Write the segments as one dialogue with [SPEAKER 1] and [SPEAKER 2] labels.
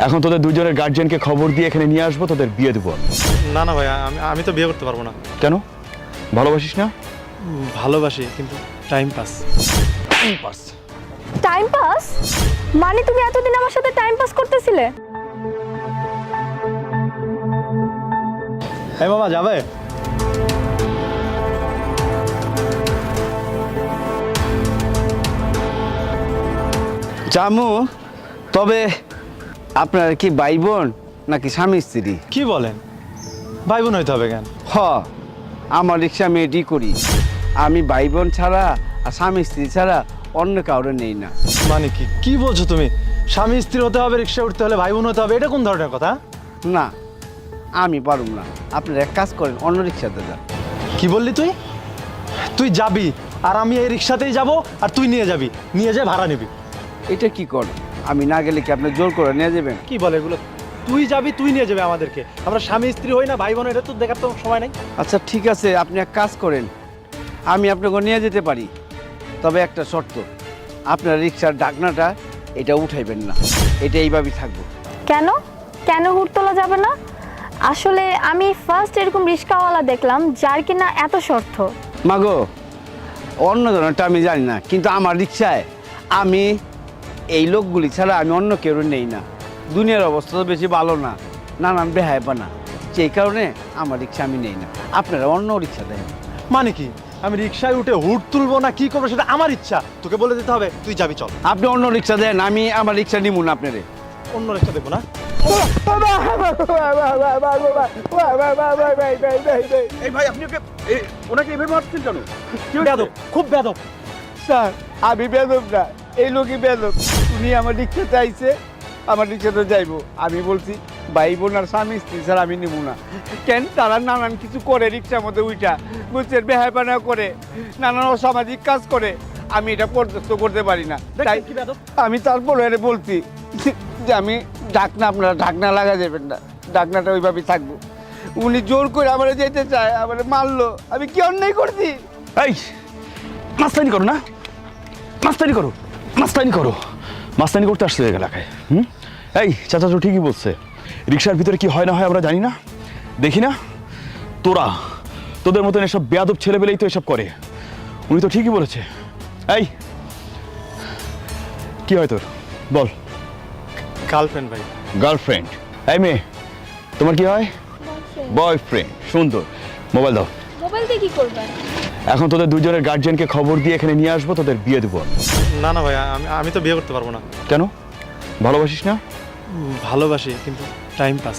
[SPEAKER 1] এখন তোদের দুজনের গার্জিয়ানকে খবর দিয়ে এখানে নিয়ে আসবো, তোদের বিয়ে দেবো।
[SPEAKER 2] না না ভাই, আমি তো বিয়ে করতে পারবো না।
[SPEAKER 1] কেন? ভালোবাসিস না?
[SPEAKER 2] ভালোবাসি, কিন্তু টাইম পাস।
[SPEAKER 3] টাইম পাস মানে তুমি এতদিন আমার সাথে টাইম পাস করতেছিলে?
[SPEAKER 2] এই মামা যাবে?
[SPEAKER 4] জামু, তবে আপনার কি ভাই বোন নাকি স্বামী স্ত্রী?
[SPEAKER 2] কি বলেন, ভাই বোন হইতে হবে কেন?
[SPEAKER 4] হ, আমার রিক্সা আমি এডি করি। আমি ভাই বোন ছাড়া আর স্বামী স্ত্রী ছাড়া অন্য কাউরে নেই না।
[SPEAKER 2] মানে কি বলছো তুমি? স্বামী স্ত্রী হতে হবে, রিক্সা উঠতে হলে ভাই বোন হতে হবে, এটা কোন ধরনের কথা?
[SPEAKER 4] না, আমি পারুম না। আপনারা এক কাজ করেন, অন্য রিক্সাতে যান।
[SPEAKER 2] কি বললি তুই? তুই যাবি আর আমি এই রিক্সাতেই যাব, আর তুই নিয়ে যাবি, নিয়ে যা ভাড়া নিবি।
[SPEAKER 4] এটা কি করেন? আমি না গেলে কি আপনি জোর করে নিয়ে যাবেন?
[SPEAKER 2] কি বলে এগুলো? তুই যাবি, তুই নিয়ে যাবে আমাদেরকে। আমরা স্বামী স্ত্রী হই না, ভাই বোন, এটা তো দেখার তো সময় নাই।
[SPEAKER 4] আচ্ছা ঠিক আছে, আপনি এক কাজ করেন, আমি আপনাকে নিয়ে যেতে পারি, তবে একটা শর্ত, আপনার রিক্সার ঢাকনাটা এটা উঠাইবেন না, এটা এইভাবেই থাকবো।
[SPEAKER 3] কেন কেন হুট তোলা যাবে না? আসলে আমি ফার্স্ট এরকম রিক্সাওয়ালা দেখলাম যার কিনা এত শর্ত।
[SPEAKER 4] মাগো, অন্য ধরনেরটা আমি জানি না, কিন্তু আমার রিক্সায় আমি এই লোকগুলি ছাড়া আমি অন্য কেউ নেই না। দুনিয়ার অবস্থা তো বেশি ভালো না, নানান বেহায়পানা, সেই কারণে আমার রিক্সা আমি নেই না। আপনারা অন্য রিক্সা দেন।
[SPEAKER 2] মানে কি, আমি রিক্সায় উঠে হুট তুলবো না কি করবো সেটা আমার ইচ্ছা, তোকে বলে দিতে হবে তুই যাবি, চল।
[SPEAKER 4] আপনি অন্য রিক্সা দেন, আমি আমার রিক্সা নিব না আপনারে।
[SPEAKER 2] অন্য রিক্সা দেখবো না।
[SPEAKER 1] এই ভাই, আপনি ওনাকে এভাবে মারছেন কেন?
[SPEAKER 2] বেয়াদব, খুব বেয়াদব।
[SPEAKER 4] স্যার, আমি বেদব না, এই লোকই বেদব। উনি আমার রিক্সাতে আইছে, আমার রিক্সাতে যাইবো। আমি বলছি ভাই বোন আর স্বামী স্ত্রী ছাড়া আমি নিব না। কেন? তারা নানান কিছু করে রিক্সার মধ্যে উইটা, বুঝছেন, বেহায়পানা করে, নানান অসামাজিক কাজ করে, আমি এটা বরদাস্ত করতে পারি না। তাই
[SPEAKER 2] কি বেয়াদব?
[SPEAKER 4] আমি তারপরে এর বলছি যে আমি ঢাকনা, আপনারা ঢাকনা লাগা যাবেন না, ঢাকনাটা ওইভাবেই থাকবো। উনি জোর করে আমার যেতে চায়, আমার মারলো। আমি কি অন্যায় করছি?
[SPEAKER 1] এই মাস্তানি করো না, মাস্তানি করো, মাস্তানি করো, মাস্তানি করতে আসছে এলাকায়। এই চাচা তো ঠিকই বলছে, রিক্সার ভিতরে কি হয় না হয় আমরা জানি না, দেখি না। তোদের মতন এসব বেয়াদব ছেলেবেলেই তো এসব করে। উনি তো ঠিকই বলেছে। এই কি হয় তোর, বল।
[SPEAKER 2] গার্লফ্রেন্ড ভাই।
[SPEAKER 1] গার্লফ্রেন্ড? এই মেয়ে, তোমার কি হয়? বয়ফ্রেন্ড। সুন্দর, মোবাইল দাও।
[SPEAKER 3] মোবাইল দিয়ে কি করবেন?
[SPEAKER 1] এখন তোদের দুজনের গার্জিয়ানকে খবর দিয়ে এখানে নিয়ে আসবো, তোদের বিয়ে দেবো।
[SPEAKER 2] না না ভাই, আমি তো বিয়ে করতে পারবো না।
[SPEAKER 1] কেন? ভালোবাসিস না?
[SPEAKER 2] ভালোবাসি, কিন্তু টাইম পাস।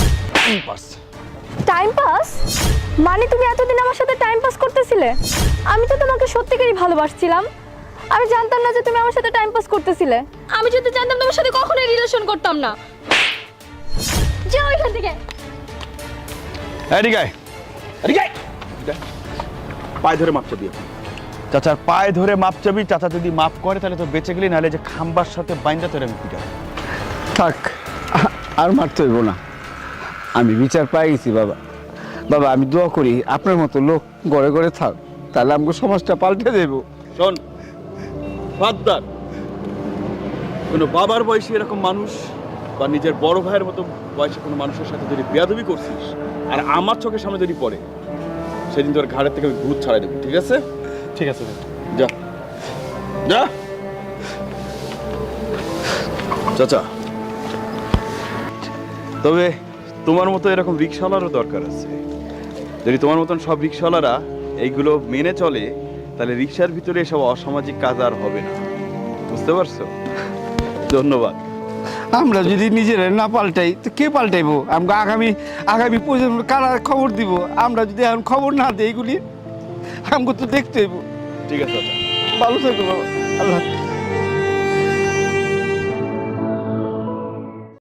[SPEAKER 3] টাইম পাস মানে তুমি এতদিন আমার সাথে টাইম পাস করতেছিলে? আমি তো তোমাকে সত্যিকারই ভালোবাসছিলাম। আমি জানতাম না যে তুমি আমার সাথে টাইম পাস করতেছিলে। আমি যদি জানতাম তোমার সাথে কখনোই রিলেশন করতাম না। যাও এখান থেকে।
[SPEAKER 1] এদিকে আয়, এদিকে আয়। পায়ে ধরে মাপ চাবি। চাচার পায়ে ধরে মাপ চাবি। চাচা যদি মাপ করে তাহলে তো বেঁচে গেলি, নাহলে যে খাম্বার সাথে বাইন্দা তোর আমি পিটা।
[SPEAKER 4] থাক, আর মারতে হইব না, আমি বিচার পাই গেছি। বাবা, বাবা, আমি দোয়া করি আপনার মতো লোক ঘরে ঘরে থাক, তাহলে আমাকে সমাজটা পাল্টে দেব।
[SPEAKER 1] শোন ফাদ্দার, কোনো বাবার বয়সী এরকম মানুষ বা নিজের বড় ভাইয়ের মতো বয়সে কোনো মানুষের সাথে যদি বেয়াদবি করছিস আর আমার চোখের সামনে যদি পড়ে, সেদিন তোর ঘাড়ের থেকে আমি ভূত ছাড়াই দেবো, ঠিক আছে?
[SPEAKER 2] ঠিক আছে ভাই।
[SPEAKER 1] যা যা। চাচা, তবে তোমার মতো এরকম রিক্সাওয়ালারও দরকার আছে। যদি তোমার মতন সব রিক্সাওয়ালারা এইগুলো মেনে চলে, তাহলে রিক্সার ভিতরে এসব অসামাজিক কাজ আর হবে না, বুঝতে পারছো? ধন্যবাদ।
[SPEAKER 4] আমরা যদি নিজেরা না পাল্টাই তো কে পাল্টাইবো? আমাকে আগামী প্রজন্ম কারা খবর দিব? আমরা যদি এখন খবর না দিই, এগুলি আমাকে তো দেখতে হইব।
[SPEAKER 1] ঠিক আছে চাচা।
[SPEAKER 4] ভালো থাকবো বাবা, আল্লাহ।